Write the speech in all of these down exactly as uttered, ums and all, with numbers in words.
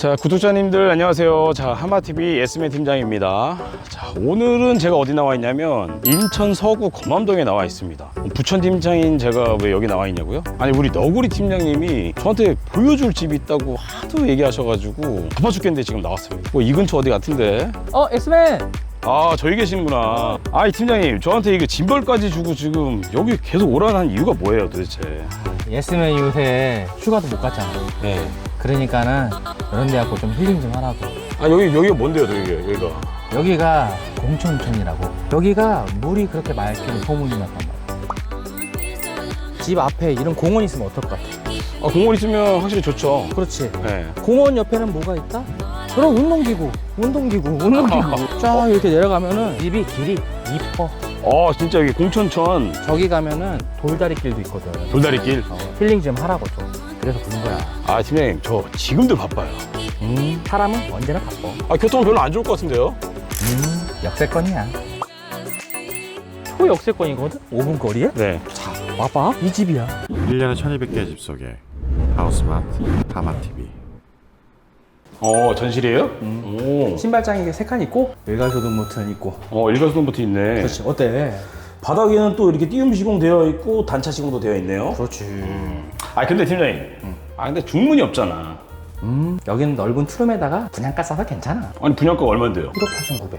자, 구독자님들 안녕하세요. 자, 하마티비 예스맨 팀장입니다. 자, 오늘은 제가 어디 나와 있냐면 인천 서구 검암동에 나와 있습니다. 부천 팀장인 제가 왜 여기 나와 있냐고요? 아니, 우리 너구리 팀장님이 저한테 보여줄 집이 있다고 하도 얘기하셔가지고 바빠 죽겠는데 지금 나왔습니다. 뭐 이 근처 어디 같은데? 어, 엑스맨! 아, 저기 계시는구나. 아이, 팀장님, 저한테 이거 짐벌까지 주고 지금 여기 계속 오라는 이유가 뭐예요, 도대체? 예스맨 요새 휴가도 못 갔잖아. 네. 그러니까는 이런 데 갖고 좀 힐링 좀 하라고. 아, 여기, 여기가 뭔데요, 여기가? 여기가? 여기가 공천천이라고. 여기가 물이 그렇게 맑기는 소문이 났단 말이야. 집 앞에 이런 공원 있으면 어떨 것 같아? 아, 공원 있으면 확실히 좋죠. 그렇지. 네. 공원 옆에는 뭐가 있다? 그럼 운동기구, 운동기구, 운동기구. 쫙 이렇게 내려가면은 집이 길이 이뻐. 어, 진짜 여기 공천천 저기 가면은 돌다리 길도 있거든. 돌다리길. 어, 힐링 좀 하라고 좀. 그래서 부른 거야. 아, 팀장님, 저 지금도 바빠요. 음, 사람은 언제나 바빠. 아, 교통은 별로 안 좋을 것 같은데요? 음, 역세권이야. 초역세권이거든? 오 분 거리에? 네. 자, 와봐. 이 집이야. 일 년에 천이백 개의 집 속에 하우스마트 하마티비. 어, 전실이에요? 음. 오. 신발장에 세 칸 있고, 일괄소등 버튼 있고. 어, 일괄소등부터 있네. 그렇지. 어때? 바닥에는 또 이렇게 띄움 시공 되어 있고 단차 시공도 되어 있네요. 그렇지. 아, 근데 팀장님. 아, 근데 중문이 없잖아. 음, 여기는 넓은 투룸에다가 분양가 싸서 괜찮아. 아니, 분양가가 얼만데요? 일억 팔천구백.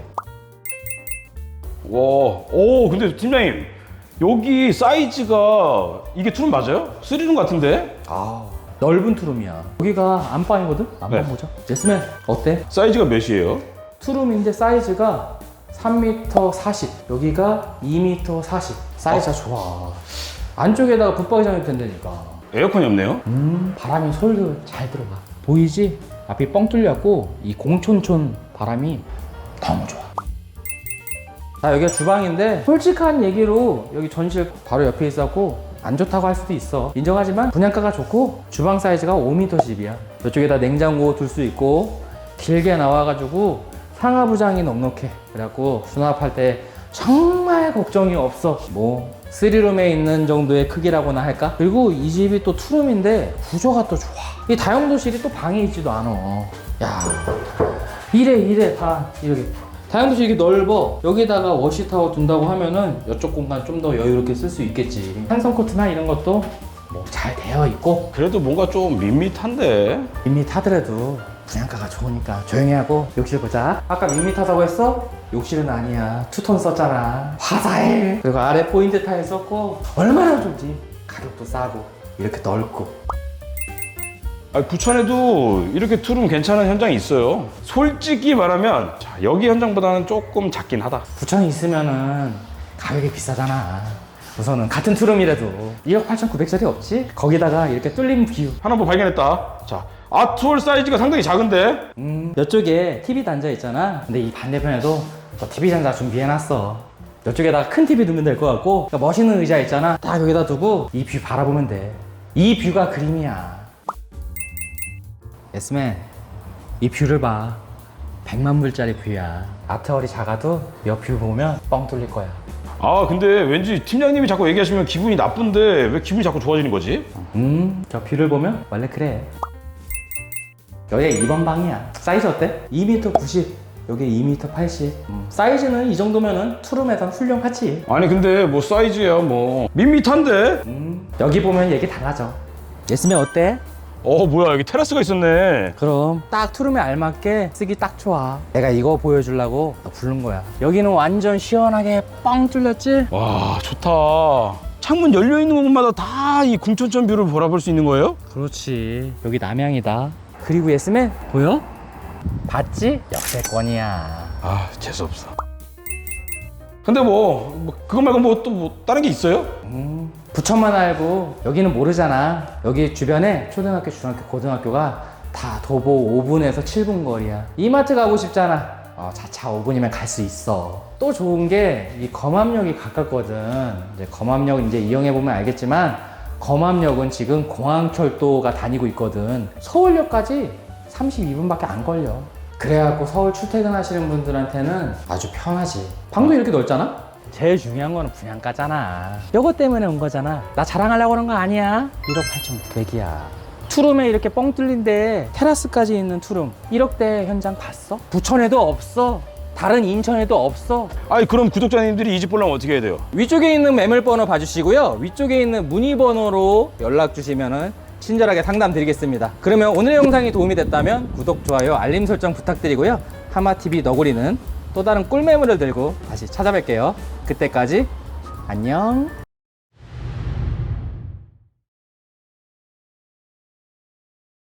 와, 오, 근데 팀장님, 여기 사이즈가 이게 투룸 맞아요? 쓰리룸 같은데? 아, 넓은 투룸이야. 여기가 안방이거든? 안방 네. 보자. 제스맨, 어때? 사이즈가 몇이에요? 투룸인데 사이즈가 삼 미터 사십. 여기가 이 미터 사십. 사이즈가 좋아. 안쪽에다가 붙박이장이 된다니까. 에어컨이 없네요? 음, 바람이 솔솔 잘 들어가. 보이지? 앞이 뻥 뚫렸고 이 공촌촌 바람이 너무 좋아. 자, 여기가 주방인데 솔직한 얘기로 여기 전실 바로 옆에 있었고 안 좋다고 할 수도 있어. 인정하지만 분양가가 좋고 주방 사이즈가 오 미터 십이야. 이쪽에다 냉장고 둘 수 있고 길게 나와가지고 상하부장이 넉넉해. 그래갖고 수납할 때 정말 걱정이 없어. 뭐 쓰리룸에 있는 정도의 크기라고나 할까? 그리고 이 집이 또 투룸인데 구조가 또 좋아. 이 다용도실이 또 방에 있지도 않아. 야, 이래 이래 다 이렇게. 다용도실 이렇게 넓어. 여기다가 워시타워 둔다고 하면은 이쪽 공간 좀 더 여유롭게 쓸 수 있겠지. 한성 코트나 이런 것도 뭐 잘 되어 있고. 그래도 뭔가 좀 밋밋한데? 밋밋하더라도 분양가가 좋으니까 조용히 하고 욕실 보자. 아까 밋밋하다고 했어? 욕실은 아니야. 투톤 썼잖아. 화사해. 그리고 아래 포인트 타일 썼고 얼마나 좋지. 가격도 싸고 이렇게 넓고. 아, 부천에도 이렇게 투룸 괜찮은 현장이 있어요. 솔직히 말하면 자, 여기 현장보다는 조금 작긴 하다. 부천에 있으면은 가격이 비싸잖아. 우선은 같은 투룸이라도 일억 팔천구백짜리 없지? 거기다가 이렇게 뚫린 뷰. 하나 뭐 발견했다. 자, 아트홀 사이즈가 상당히 작은데? 음, 이쪽에 티비 단자 있잖아. 근데 이 반대편에도 또 티비 단자 준비해놨어. 이쪽에다가 큰 티비 두면 될 것 같고, 그러니까 멋있는 의자 있잖아. 딱 여기다 두고 이 뷰 바라보면 돼. 이 뷰가 그림이야. 예스맨, 이 뷰를 봐. 백만 불짜리 뷰야. 아트홀이 작아도 옆 뷰 보면 뻥 뚫릴 거야. 아, 근데 왠지 팀장님이 자꾸 얘기하시면 기분이 나쁜데 왜 기분이 자꾸 좋아지는 거지? 음, 저 뷰를 보면 원래 그래. 여기가 이 번 방이야. 사이즈 어때? 이 미터 구십, 여기 이 미터 팔십. 음, 사이즈는 이 정도면은 투룸에선 훌륭하지. 아니, 근데 뭐 사이즈야 뭐 밋밋한데? 음, 여기 보면 얘기 달라져. 예스맨 어때? 어, 뭐야, 여기 테라스가 있었네. 그럼 딱 투룸에 알맞게 쓰기 딱 좋아. 내가 이거 보여주려고 부른 거야. 여기는 완전 시원하게 뻥 뚫렸지? 와, 좋다. 창문 열려 있는 곳마다 다 이 궁천천 뷰를 바라볼 수 있는 거예요? 그렇지. 여기 남양이다. 그리고 예스맨 보여? 봤지? 역세권이야. 아, 재수없어. 근데 뭐, 뭐 그거 말고 뭐 또 뭐 다른 게 있어요? 음, 부천만 알고 여기는 모르잖아. 여기 주변에 초등학교, 중학교, 고등학교가 다 도보 오 분에서 칠 분 거리야. 이마트 가고 싶잖아. 어, 자차 오 분이면 갈 수 있어. 또 좋은 게 이 검암역이 가깝거든. 이제 검암역 이제 이용해 보면 알겠지만 검암역은 지금 공항철도가 다니고 있거든. 서울역까지 삼십이 분밖에 안 걸려. 그래갖고 서울 출퇴근하시는 분들한테는 아주 편하지. 방도 이렇게 넓잖아? 제일 중요한 거는 분양가잖아. 요거 때문에 온 거잖아. 나 자랑하려고 그런 거 아니야. 일억 팔천구백이야. 투룸에 이렇게 뻥 뚫린데 테라스까지 있는 투룸 일억대 현장 봤어? 부천에도 없어. 다른 인천에도 없어. 아니 그럼 구독자님들이 이 집 보려면 어떻게 해야 돼요? 위쪽에 있는 매물번호 봐주시고요. 위쪽에 있는 문의번호로 연락 주시면은 친절하게 상담 드리겠습니다. 그러면 오늘 영상이 도움이 됐다면 구독, 좋아요, 알림 설정 부탁드리고요. 하마티비 너구리는 또 다른 꿀매물을 들고 다시 찾아뵐게요. 그때까지 안녕.